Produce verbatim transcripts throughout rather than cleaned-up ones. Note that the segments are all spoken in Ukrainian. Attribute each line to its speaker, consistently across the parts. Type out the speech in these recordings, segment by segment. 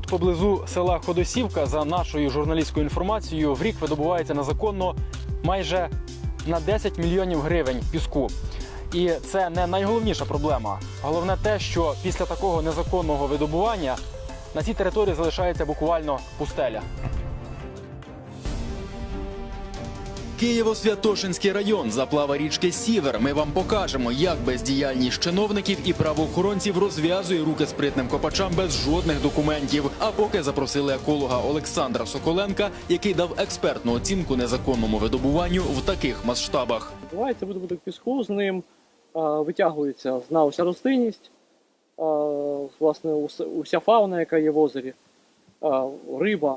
Speaker 1: Тут поблизу села Ходосівка, за нашою журналістською інформацією, в рік видобувається незаконно майже на десять мільйонів гривень піску. І це не найголовніша проблема. Головне те, що після такого незаконного видобування на цій території залишається буквально пустеля.
Speaker 2: Києво-Святошинський район, заплава річки Сівер. Ми вам покажемо, як бездіяльність чиновників і правоохоронців розв'язує руки спритним копачам без жодних документів. А поки запросили еколога Олександра Соколенка, який дав експертну оцінку незаконному видобуванню в таких масштабах.
Speaker 3: Відбувається видобуток піску, з ним а, витягується з дна уся рослинність, а, власне, уся, уся фауна, яка є в озері, а, риба,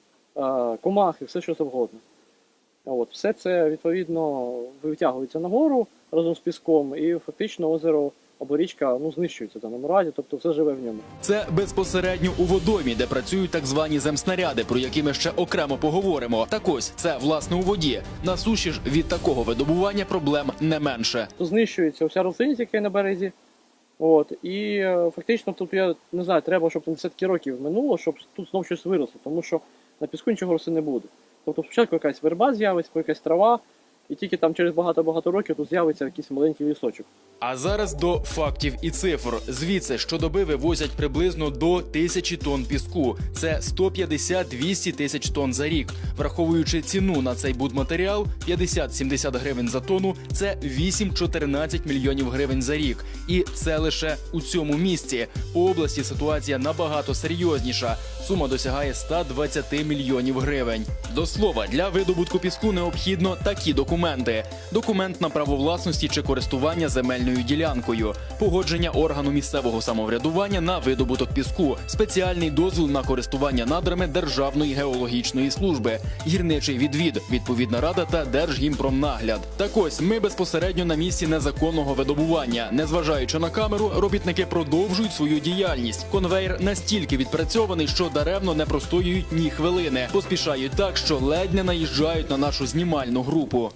Speaker 3: а, комахи, все що завгодно. От, все це, відповідно, витягується нагору разом з піском, і фактично озеро або річка ну, знищується в даному разі, тобто все живе в ньому.
Speaker 2: Це безпосередньо у водоймі, де працюють так звані земснаряди, про які ми ще окремо поговоримо. Так ось, це власне у воді. На суші ж від такого видобування проблем не менше.
Speaker 3: То знищується вся рослинність, яка є на березі. От, і е, фактично тут, я не знаю, треба, щоб там десятки років минуло, щоб тут знов щось виросло, тому що на піску нічого рости не буде. Тобто спочатку якась верба з'явиться, якась трава, і тільки там через багато-багато років тут з'явиться якийсь маленький лісочок.
Speaker 2: А зараз до фактів і цифр. Звідси щодоби вивозять приблизно до тисячі тонн піску. Це сто п'ятдесят - двісті тисяч тонн за рік. Враховуючи ціну на цей будматеріал п'ятдесят - сімдесят гривень за тонну, це вісім - чотирнадцять мільйонів гривень за рік. І це лише у цьому місці. По області ситуація набагато серйозніша. Сума досягає ста двадцяти мільйонів гривень. До слова, для видобутку піску необхідно такі документи. Документ на право власності чи користування земельною ділянкою, погодження органу місцевого самоврядування на видобуток піску, спеціальний дозвіл на користування надрами Державної геологічної служби, гірничий відвід, відповідна рада та Держгімпромнагляд. Так ось, ми безпосередньо на місці незаконного видобування. Незважаючи на камеру, робітники продовжують свою діяльність. Конвейер настільки відпрацьований, що даремно не простоюють ні хвилини. Поспішають так, що ледь не наїжджають на нашу знімальну групу.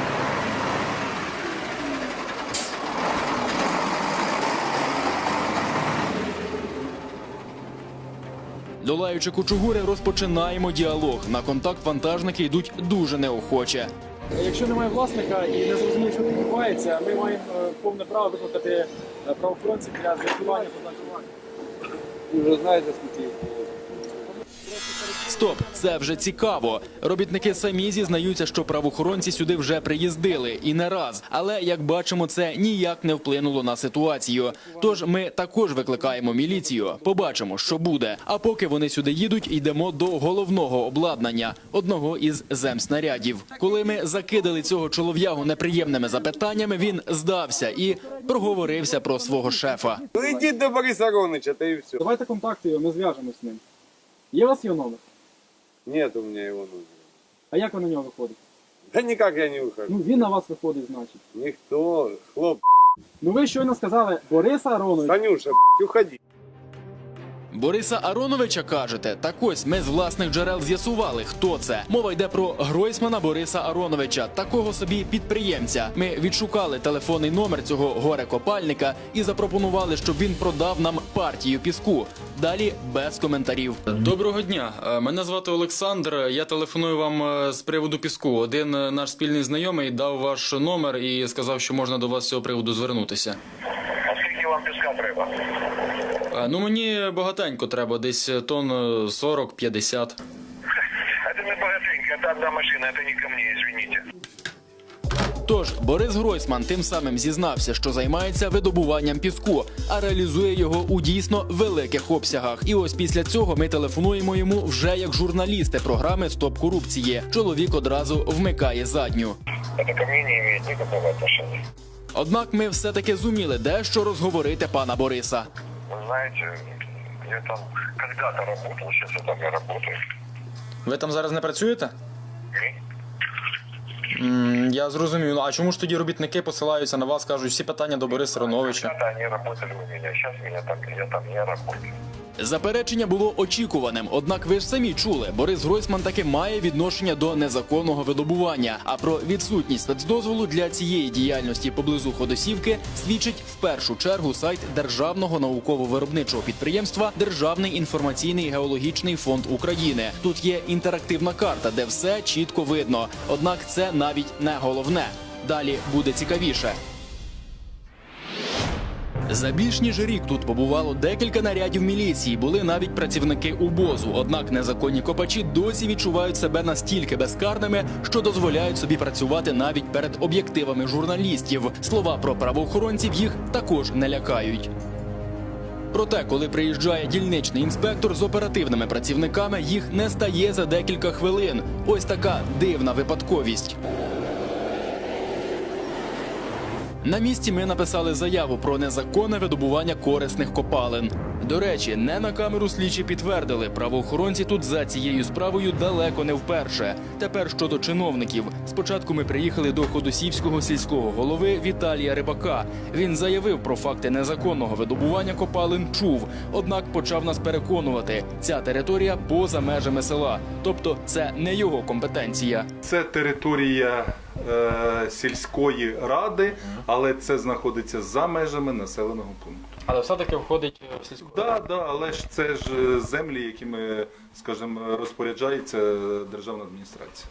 Speaker 2: Долаючи кучугури, розпочинаємо діалог. На контакт вантажники йдуть дуже неохоче.
Speaker 1: Якщо немає власника і не зрозуміє, що тут відбувається, ми маємо повне право викликати правоохоронців для з'ясування позначування.
Speaker 4: Ви вже знаєте, скільки їх було.
Speaker 2: Стоп, це вже цікаво. Робітники самі зізнаються, що правоохоронці сюди вже приїздили і не раз. Але, як бачимо, це ніяк не вплинуло на ситуацію. Тож ми також викликаємо міліцію. Побачимо, що буде. А поки вони сюди їдуть, йдемо до головного обладнання – одного із земснарядів. Коли ми закидали цього чолов'ягу неприємними запитаннями, він здався і проговорився про свого шефа.
Speaker 4: Ну йдіть до Бориса Ароновича, та і все.
Speaker 1: Давайте контакти, ми зв'яжемося з ним. Є у вас його номер?
Speaker 4: Нет у меня его номера.
Speaker 1: А як ви на нього виходите?
Speaker 4: Да никак я не выхожу.
Speaker 1: Ну, він на вас виходить, значить.
Speaker 4: Никто. Хлоп,
Speaker 1: Ну, ви щойно сказали Бориса Ароновича.
Speaker 4: Танюша, уходи.
Speaker 2: Бориса Ароновича, кажете? Так ось, ми з власних джерел з'ясували, хто це. Мова йде про Гройсмана Бориса Ароновича, такого собі підприємця. Ми відшукали телефонний номер цього горе-копальника і запропонували, щоб він продав нам партію піску. Далі без коментарів. Доброго дня, мене звати Олександр, я телефоную вам з приводу піску. Один наш спільний знайомий дав ваш номер і сказав, що можна до вас з цього приводу звернутися.
Speaker 5: А скільки вам піска треба?
Speaker 2: Ну, мені багатенько треба, десь тонн сорок - п'ятдесят.
Speaker 5: Это не богатенько, это одна машина, это не ко мне, извините.
Speaker 2: Тож, Борис Гройсман тим самим зізнався, що займається видобуванням піску, а реалізує його у дійсно великих обсягах. І ось після цього ми телефонуємо йому вже як журналісти програми «Стоп корупції». Чоловік одразу вмикає задню.
Speaker 5: Это ко мне не имеет никакого отношения.
Speaker 2: Однак ми все-таки зуміли дещо розговорити пана Бориса.
Speaker 5: Вы знаете, я там когда-то работал, сейчас я там не работаю.
Speaker 2: Ви там зараз не працюєте?
Speaker 5: Ні?
Speaker 2: Я зрозумів. А чому ж тоді робітники посилаються на вас, кажуть, всі питання до Бориса Ароновича?
Speaker 5: Когда-то они работали у меня, сейчас меня там, я там не работаю.
Speaker 2: Заперечення було очікуваним, однак ви ж самі чули, Борис Гройсман таки має відношення до незаконного видобування. А про відсутність спецдозволу для цієї діяльності поблизу Ходосівки свідчить в першу чергу сайт Державного науково-виробничого підприємства Державний інформаційний геологічний фонд України. Тут є інтерактивна карта, де все чітко видно. Однак це навіть не головне. Далі буде цікавіше. За більш ніж рік тут побувало декілька нарядів міліції, були навіть працівники УБОЗу. Однак незаконні копачі досі відчувають себе настільки безкарними, що дозволяють собі працювати навіть перед об'єктивами журналістів. Слова про правоохоронців їх також не лякають. Проте, коли приїжджає дільничний інспектор з оперативними працівниками, їх не стає за декілька хвилин. Ось така дивна випадковість. На місці ми написали заяву про незаконне видобування корисних копалин. До речі, не на камеру слідчі підтвердили, правоохоронці тут за цією справою далеко не вперше. Тепер щодо чиновників. Спочатку ми приїхали до ходосівського сільського голови Віталія Рибака. Він заявив про факти незаконного видобування копалин чув, однак почав нас переконувати – ця територія поза межами села. Тобто це не його компетенція.
Speaker 6: Це територія е, сільської ради, але це знаходиться за межами населеного пункту.
Speaker 1: Але все-таки входить в сільську.
Speaker 6: Так, да, да, але ж це ж землі, якими, скажімо, розпоряджається державна адміністрація.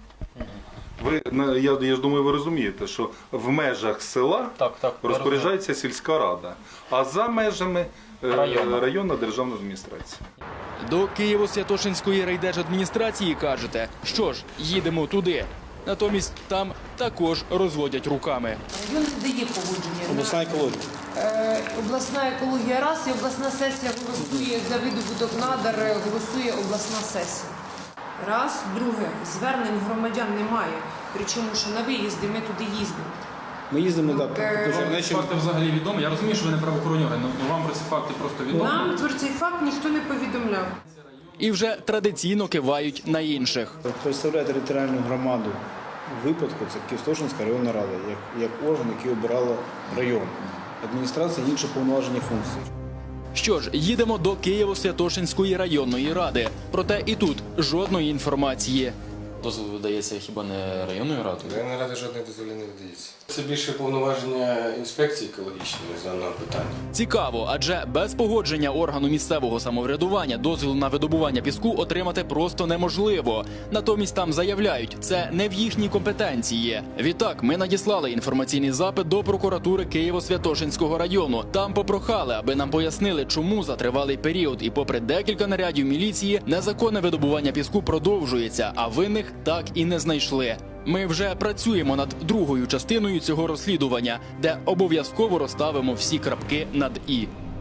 Speaker 6: Ви, на- я, я ж думаю, ви розумієте, що в межах села
Speaker 1: Так, так, я
Speaker 6: розпоряджається сільська рада, а за межами е,
Speaker 1: Районна.
Speaker 6: районна державна адміністрація.
Speaker 2: До Києво-Святошинської райдержадміністрації кажете, що ж, їдемо туди. Натомість там також розводять руками.
Speaker 7: Район не дає погодження.
Speaker 8: Обласна екологія.
Speaker 7: Е, обласна екологія раз, і обласна сесія голосує за видобуток надар, е, голосує обласна сесія. Раз, друге, звернень громадян немає. Причому, що на виїзди ми туди їздимо.
Speaker 8: Ми їздимо так,
Speaker 7: Е,
Speaker 8: дуже
Speaker 1: Ці
Speaker 8: нижче.
Speaker 1: факти взагалі відомі. Я розумію, що ви не правоохоронні органи, але вам про ці факти просто відомо.
Speaker 7: Нам про цей факт ніхто не повідомляв.
Speaker 2: І вже традиційно кивають на інших.
Speaker 8: Представляє територіальну громаду у випадку, це Києво-Святошинська районна рада, як, як орган, який обирала район. Адміністрація інші повноважені функції.
Speaker 2: Що ж, їдемо до Києво-Святошинської районної ради. Проте і тут жодної інформації.
Speaker 9: Дозвіл видається хіба не районною радою?
Speaker 10: Районна рада жодних дозволів не видається. Це більше повноваження інспекції екологічної з даного питання.
Speaker 2: Цікаво, адже без погодження органу місцевого самоврядування дозвіл на видобування піску отримати просто неможливо. Натомість там заявляють, це не в їхній компетенції. Відтак, ми надіслали інформаційний запит до прокуратури Києво-Святошинського району. Там попрохали, аби нам пояснили, чому за тривалий період і попри декілька нарядів міліції незаконне видобування піску продовжується, а винних так і не знайшли. Ми вже працюємо над другою частиною цього розслідування, де обов'язково розставимо всі крапки над «і».